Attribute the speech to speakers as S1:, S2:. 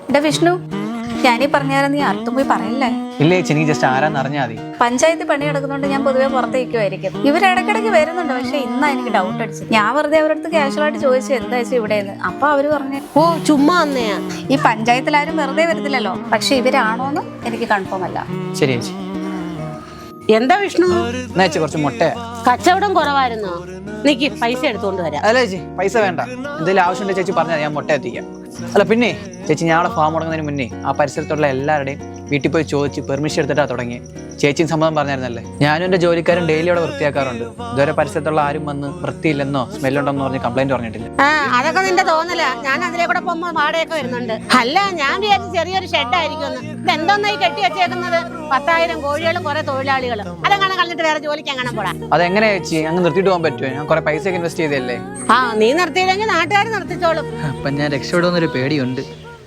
S1: എടാ വിഷ്ണു, ഞാനീ പറഞ്ഞാലും നീ അർത്ഥം പോയി പറയില്ലേ?
S2: ഇല്ലേ ചേച്ചി, എനിക്ക് ജസ്റ്റ് ആരാന്ന് അറിഞ്ഞാൽ മതി.
S1: പഞ്ചായത്ത് പണി എടുക്കുന്നോണ്ട് ഞാൻ പൊതുവെ പുറത്തേക്കുമായിരിക്കും. ഇവരിടയ്ക്കിടയ്ക്ക് വരുന്നുണ്ട്, പക്ഷെ ഇന്നാ എനിക്ക് ഡൗട്ട് അടിച്ചു. ഞാൻ വെറുതെ അവരടുത്ത് കാഷ്വലായിട്ട് ചോദിച്ചു എന്താ വെച്ചാൽ ഇവിടെയെന്ന്. അപ്പൊ അവര് പറഞ്ഞു
S3: ഓ ചുമ്മാ വന്നയാ.
S1: ഈ പഞ്ചായത്തിലാരും വെറുതെ വരത്തില്ലല്ലോ, പക്ഷെ ഇവരാണോന്ന് എനിക്ക് കൺഫേം അല്ല.
S2: ശരി ചേച്ചി.
S3: എന്താ വിഷ്ണു,
S2: എന്നാ ചേച്ചി കുറച്ച് മുട്ട.
S3: കച്ചവടം കുറവായിരുന്നോ? നിക്ക് പൈസ എടുത്തോണ്ട് വരാം.
S2: അല്ല ചേച്ചി, പൈസ വേണ്ട. എന്തെങ്കിലും ആവശ്യമുണ്ടെങ്കിൽ ചേച്ചി പറഞ്ഞാൽ ഞാൻ മുട്ട എത്തിക്കാം. അല്ല പിന്നെ ചേച്ചി, ഞങ്ങളെ ഫാം തുടങ്ങുന്നതിന് മുന്നേ ആ പരിസരത്തുള്ള എല്ലാവരുടെയും വീട്ടിൽ പോയി ചോദിച്ച് പെർമിഷൻ എടുത്തിട്ടാണ് തുടങ്ങി. ചേച്ചിയും സമ്മതം പറഞ്ഞായിരുന്നല്ലേ. ഞാനും എൻ്റെ ജോലിക്കാരും ഡെയിലി അവിടെ വൃത്തിയാക്കാറുണ്ട്. ഇതുവരെ പരിസരത്തുള്ള ആരും വന്ന് വൃത്തിയില്ലെന്നോ സ്മെല്ലുണ്ടെന്നോ പറഞ്ഞ് കംപ്ലൈന്റ് പറഞ്ഞിട്ടില്ല.
S3: അതൊക്കെ നിന്റെ തോന്നല. ഞാൻ അതിലെ കൂടെ പോകുമ്പോ വാടകയൊക്കെ വരുന്നുണ്ട്. അല്ല, ഞാൻ വിചാരിച്ചു ചെറിയൊരു ഷെഡ് ആയിരിക്കും. ഇതെന്തോന്നായി കെട്ടി വെച്ചേക്കുന്നത്? 10,000 കോഴികളും കുറെ തൊഴിലാളികളും. അതെങ്ങനെ കളഞ്ഞിട്ട് വേറെ ജോലിക്ക് എങ്ങനെ പോടാ?
S2: അതെങ്ങനെ ചേച്ചി, അങ്ങ് നിർത്തിയിട്ട് പോകാൻ പറ്റുമോ? ഞാൻ കുറെ പൈസ ഒക്കെ ഇൻവെസ്റ്റ് ചെയ്തല്ലേ.
S3: നീ നിർത്തിയില്ലെങ്കിൽ നാട്ടുകാർ നിർത്തിച്ചോളും.
S2: അപ്പൊ ഞാൻ രക്ഷപ്പെടുമെന്നൊരു പേടിയുണ്ട്.